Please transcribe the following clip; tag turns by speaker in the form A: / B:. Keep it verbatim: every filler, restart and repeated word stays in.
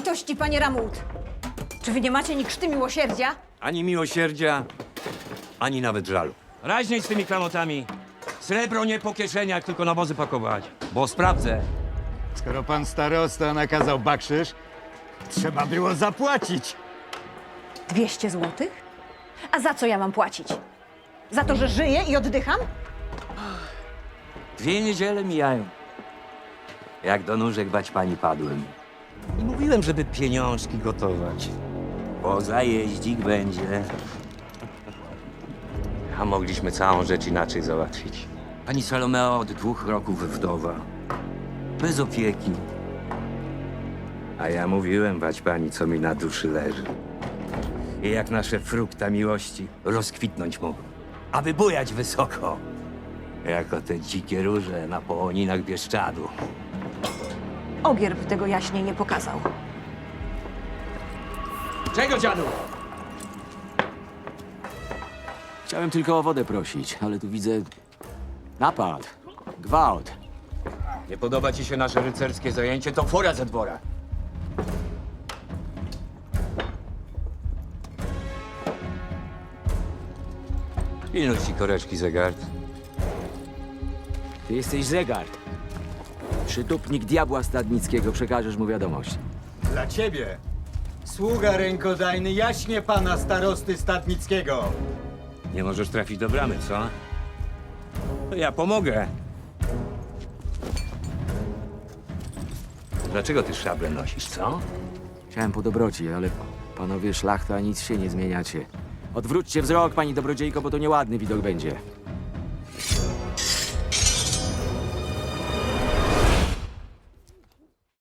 A: litości, panie Ramut! Czy wy nie macie ni krzty miłosierdzia?
B: Ani miłosierdzia, ani nawet żalu. Raźniej z tymi klamotami. Srebro nie po kieszeniach, tylko na wozy pakować. Bo sprawdzę.
C: Skoro pan starosta nakazał bakszysz, trzeba było zapłacić.
A: Dwieście złotych? A za co ja mam płacić? Za to, że żyję i oddycham?
B: Dwie niedziele mijają. Jak do nóżek bać pani padłem. I mówiłem, żeby pieniążki gotować. Bo zajeździk będzie. A mogliśmy całą rzecz inaczej załatwić. Pani Salomeo od dwóch roków wdowa. Bez opieki. A ja mówiłem, bać pani, co mi na duszy leży. I jak nasze frukta miłości rozkwitnąć mogą. A wybujać wysoko. Jako te dzikie róże na połoninach Bieszczadu.
A: Ogierb tego jaśniej nie pokazał.
B: Czego, dziadu?
D: Chciałem tylko o wodę prosić, ale tu widzę napad, gwałt.
B: Nie podoba ci się nasze rycerskie zajęcie, to fora ze dwora. Pilnuj ci koreczki, Zegard.
D: Ty jesteś Zegard. Przytupnik diabła stadnickiego, przekażesz mu wiadomość.
C: Dla ciebie, sługa rękodajny jaśnie pana starosty Stadnickiego.
B: Nie możesz trafić do bramy, co? To ja pomogę. Dlaczego ty szablę nosisz, co?
D: Chciałem po dobroci, ale panowie szlachta nic się nie zmieniacie. Odwróćcie wzrok, pani dobrodziejko, bo to nieładny widok będzie.